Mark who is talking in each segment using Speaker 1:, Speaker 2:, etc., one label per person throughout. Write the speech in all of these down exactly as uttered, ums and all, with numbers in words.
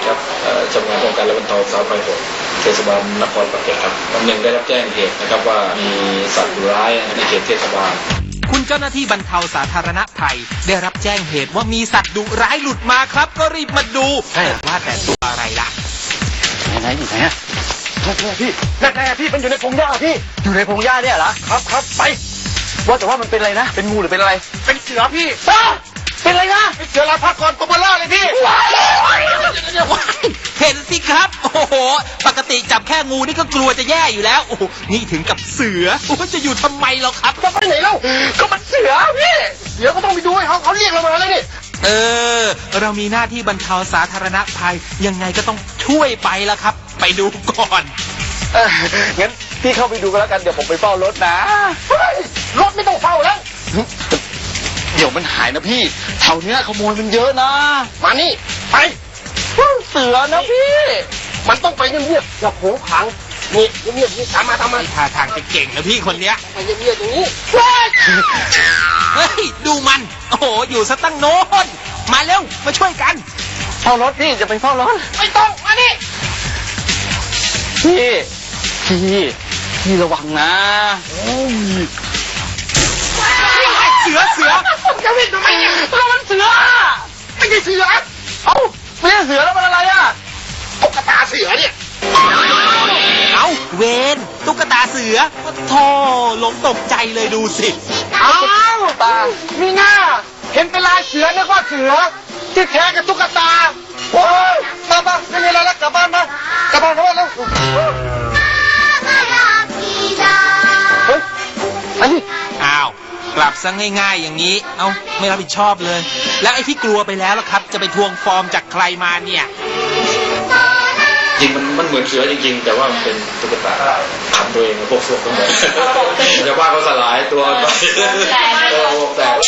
Speaker 1: ครับชำนาญป้องกันและบรรเทาสาธารณภัยเทศบาลนครปากเกร็ดครับวันหนึ่งได้รับแจ้งเหตุนะครับว่ามีสัตว์ดุร้ายในเขตเทศบาล
Speaker 2: คุณเจ้าหน้าที่บรรเทาสาธารณภัยได้รับแจ้งเหตุว่ามีสัตว์ดุร้ายหลุดมาครับก็รีบมาดูแต่ว่าแต่ตัวอะไรล่ะ
Speaker 3: ไหนอยู่ไหนอะพี่แน่ๆพี่มันอยู่ในพงหญ้าพี่อยู่ในพงหญ้าเนี่ยเหรอครับครับไปว่าแต่ว่ามันเป็นอะไรนะเป็นงูหรือเป็นอะไรเป็นเสือพี่เป็นอะไรนะเป็นเสือลาพักก่อนตัวเบลล่าเลยพี่
Speaker 2: เห็นสิครับโอ้โหปกติจับแค่งูนี่ก็กลัวจะแย่อยู่แล้วโอ้โหนี่ถึงกับเสือโอ้จะอยู่ทำไมเราครับ
Speaker 3: จะไปไหนเล่าก็มันเสือพี่เสือก็ต้องไปดูให้เขาเขาเรียกเรามาเลยนี่
Speaker 2: เออเรามีหน้าที่บรรเทาสาธารณภัยยังไงก็ต้องช่วยไปละครับไปดูก่อน
Speaker 3: เอองั้นพี่เข้าไปดูกันแล้วกันเดี๋ยวผมไปเฝ้ารถนะรถไม่ต้องเฝ้าแล้วเดี๋ยวมันหายนะพี่แถวเนี้ยขโมยมันเยอะนะมานี่ไปเสือนะพี่มันต้องไปเงียบๆอย่าโผล่ขังนี่เงียบๆนี่ตามมาตามมา
Speaker 2: ท่าทางจะเก่งนะพี่คนเนี้ย
Speaker 3: ไปเงียบๆตรงนี้
Speaker 2: เฮ้ยดูมันโอ้โหอยู่ซะตั้งโน้นมาเร็วมาช่วยกัน
Speaker 3: เฝ้ารถพี่จะไปเฝ้ารถ
Speaker 2: ไม่ต้องมานี่
Speaker 3: พี่พี่พี่ระวังนะ
Speaker 2: เสือเสือ
Speaker 3: จะวิ่งทำไมเนี่ยเรามันเสือไม่ใช่เสือเอ้าไม่ใช่เสือแล้วมันอะไรอ่ะตุ๊กตาเสือเนี่ย
Speaker 2: เอ้าเวนตุ๊กตาเสือโธ่หลงตกใจเลยดูสิ
Speaker 3: เอ้าตามีหน้าเห็นเป็นลายเสือนึกว่าเสือที่แท้กับตุ๊กตาโอ้ยมาบ้านไม่มีอะไรแล้วกลับบ้านมากลับบ้านกลับบ้านแล้วเฮ้ยอันนี้
Speaker 2: อ้าวกลับซะง่ายๆอย่างนี้เอ้าไม่รับผิดชอบเลยแล้วไอ้ที่กลัวไปแล้วล่ะครับจะไปทวงฟอร์มจากใครมาเนี่ย
Speaker 1: จริงมันมันเหมือนเสือจริงๆแต่ว่ามันเป็นตุ๊กตาทำตัวเองพวกพวกทั้งหมดจะว่าเขาสลายตัวไปตัววงแตก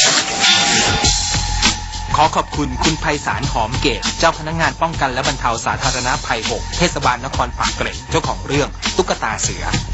Speaker 2: ขอขอบคุณคุณไพศาลหอมเกตเจ้าพนักงานป้องกันและบรรเทาสาธารณภัยหกเทศบาลนครปากเกร็ดเจ้าของเรื่องตุ๊กตาเสือ